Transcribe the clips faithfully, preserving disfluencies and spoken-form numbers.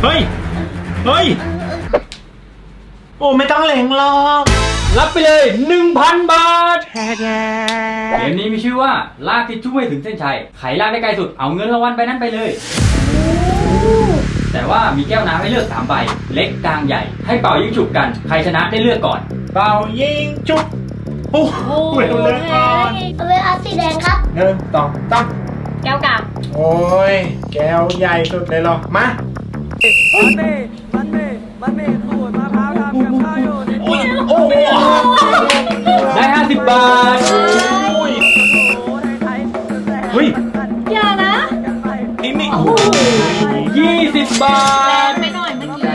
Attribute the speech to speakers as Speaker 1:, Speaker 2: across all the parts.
Speaker 1: เฮ้ยเฮ้ยโอ้ไม่ต้องเหลงหรอก
Speaker 2: รับไปเลย หนึ่งพัน บาทเกมนี้มีชื่อว่าลากทิชชู่ให้ถึงเส้นชัยใครลากได้ไกลสุดเอาเงินรางวัลไปนั้นไปเลยแต่ว่ามีแก้วน้ำให้เลือกสามใบเล็กกลางใหญ่ให้เป่ายิงฉุบกันใครชนะได้เลือกก่อน
Speaker 1: เป่ายิงจุบโอ้โหเลือกก่อน
Speaker 3: เอาไปเอาสีแดงครับ
Speaker 1: หนึ่งสองสาม
Speaker 3: แก้วกาบ
Speaker 1: โอ้ยแก้วใหญ่สุดเลยหรอมา
Speaker 4: มันเมมันเมมันเมขูดมะพร้าวทำกับข้าวอยู่ในตู้
Speaker 1: โอ้
Speaker 2: ได้ห้าสิบบาท
Speaker 1: เฮ้ย
Speaker 3: อย่านะ
Speaker 1: นี่นี่
Speaker 2: ยี่สิบบาท
Speaker 3: ไปหน่อยเมื่อกี้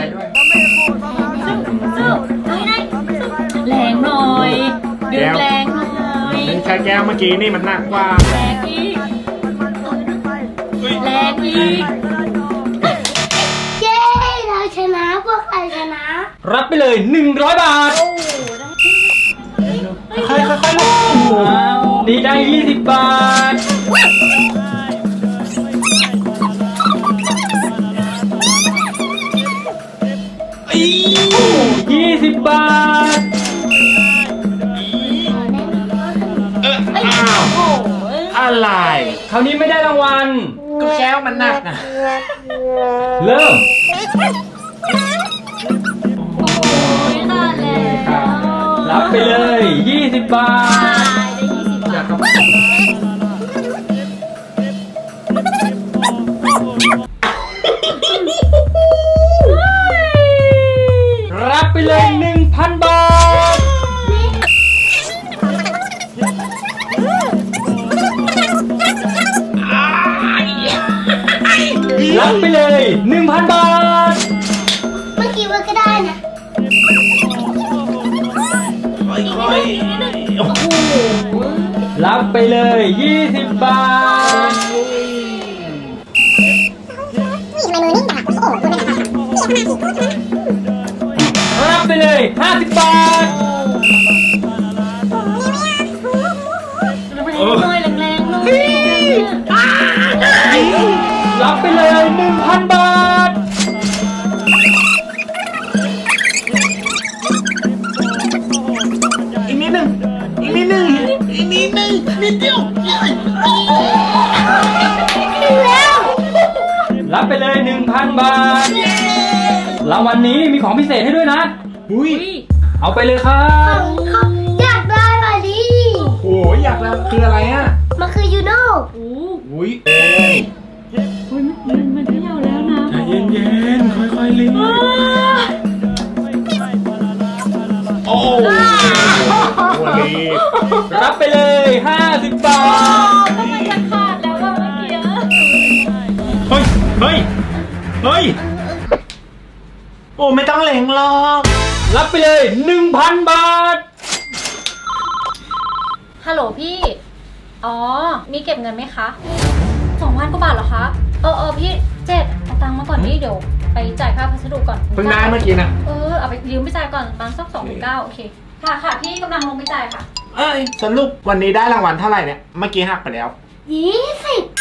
Speaker 3: สู้สู้นี่ไงแรงหน่อยดึงแรงหน่อย
Speaker 1: ใช้แก้วเมื่อกี้นี่มันหนักกว่า
Speaker 3: แรงอีกแรงอีกเย้เราชนะพวกใครชนะ
Speaker 2: รับไปเลยหนึ่งร้อยบาท
Speaker 1: ค่อยๆค่อยๆลูก
Speaker 2: นี่ได้ยี่สิบบาทยี่สิบบาท
Speaker 1: อ้าวอะไร
Speaker 2: คราวนี้ไม่ได้รางวัล
Speaker 1: ก็แก้วมันหนักอ่ะ
Speaker 2: เริ่ม
Speaker 3: โอ้ยขาดแล้ว
Speaker 2: รับไปเลยยี่สิบบาทรับไปเลย หนึ่งพัน บาทรับไปเลย หนึ่งพัน บาท
Speaker 3: เมื่อกี้ว่าก็ได้นะ
Speaker 1: โอ้โห
Speaker 2: รับไปเลยยี่สิบบาทรับไปเลยห้าสิบบาท
Speaker 3: หน่อยแรงๆหน่อย
Speaker 2: รับไปเลยหนึ่งพันบาท
Speaker 1: อีกนิดหนึ่งอีกนิดหนึ่งอีกนิดหนึ่งนิดเดียว
Speaker 2: รับไปเลยหนึ่งพันบาทรางวัลนี้มีของพิเศษให้ด้วยนะ
Speaker 1: อุ้ย
Speaker 2: เอาไปเลยครับ
Speaker 3: อยากได้มาดิ
Speaker 1: โอ้ยอยากได้คืออะไรอ่ะ
Speaker 3: มันคือยูโน่
Speaker 1: อุ้ยเอ้ย
Speaker 3: มันมันเที่ยวแล้วนะ
Speaker 1: ใจเย็นๆค่อยๆลิ้นโอ้โหรีบ
Speaker 2: รับไปเลยห้าสิบบาท
Speaker 3: ทำไมจะขาดแล้วว่าเมื่อกี้
Speaker 1: เฮ้ยเฮ้ยเฮ้ยโอ้ไม่ต้องเหลงหรอก
Speaker 2: รับไปเลยหนึ่งพันบาท
Speaker 3: ฮัลโหลพี่อ๋อมีเก็บเงินไหมคะสองพันกว่าบาทเหรอคะเออเออพี่เจ็ดเอาตังค์มาก่อนนี่เดี๋ยวไปจ่ายค่าพัสดุก่อน
Speaker 1: เพิ่งได้เมื่อกี้นะ
Speaker 3: เออเอาไปยืมไปจ่ายก่อนประมาณสักสองหมื่นเก้าโอเคค่ะค่ะพี่กำลังลงไปจ่ายค่ะ
Speaker 1: เอ้ยสรุปวันนี้ได้รางวัลเท่าไหร่เนี่ยเมื่อกี้หักไปแล้ว
Speaker 3: ยี่สิบ